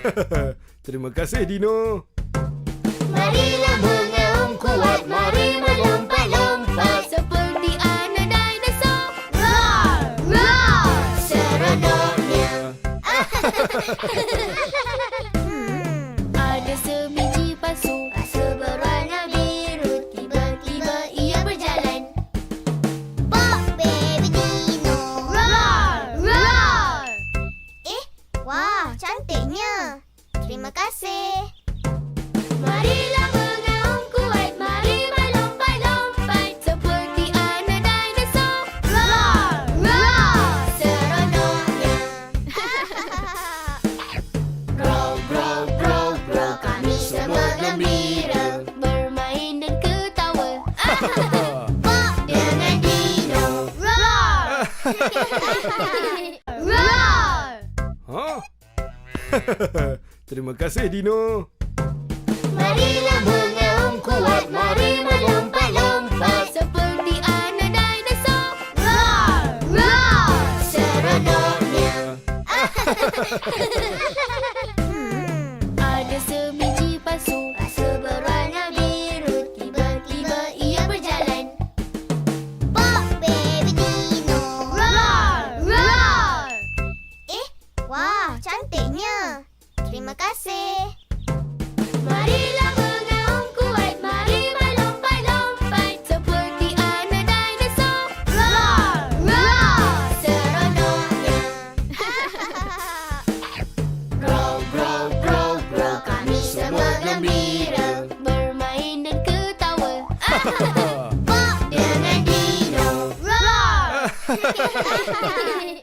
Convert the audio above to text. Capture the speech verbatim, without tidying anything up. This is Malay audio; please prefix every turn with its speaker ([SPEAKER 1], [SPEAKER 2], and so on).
[SPEAKER 1] Terima kasih, Dino.
[SPEAKER 2] Marilah mengaum kuat, mari melompat-lompat
[SPEAKER 3] seperti anak dinosaur.
[SPEAKER 2] Roar, roar, seronoknya.
[SPEAKER 3] Ada sebiji pasu,
[SPEAKER 2] Pasu berwarna biru, tiba-tiba ia berjalan. Pop baby dino.
[SPEAKER 3] roar, roar.
[SPEAKER 2] Eh, wah, cantiknya. Terima kasih.
[SPEAKER 3] Marilah mengaum kuat, mari melompat-lompat seperti anak dinosaur.
[SPEAKER 2] Roar, roar, seronoknya. Grow, grow, grow, grow, kami semua gembira.
[SPEAKER 3] Bermain dan ketawa.
[SPEAKER 2] Pop dengan dino.
[SPEAKER 3] Roar, roar.
[SPEAKER 1] Hah? Terima kasih, Dino.
[SPEAKER 2] Marilah mengaum kuat, mari melompat-lompat
[SPEAKER 3] Seperti anak dinosaur.
[SPEAKER 2] Roar, roar, seronoknya.
[SPEAKER 3] Ada sebiji pasu,
[SPEAKER 2] Pasu berwarna biru, tiba-tiba ia berjalan. Pop baby dino.
[SPEAKER 3] roar, roar.
[SPEAKER 2] Eh, wah, cantiknya. Terima kasih.
[SPEAKER 3] Marilah mengaum kuat, mari melompat-lompat seperti anak dinosaur.
[SPEAKER 2] Roar, roar, seronoknya. Grow, grow, grow, grow, kami semua gembira.
[SPEAKER 3] Bermain dan ketawa.
[SPEAKER 2] Pop dengan dino.
[SPEAKER 3] Roar.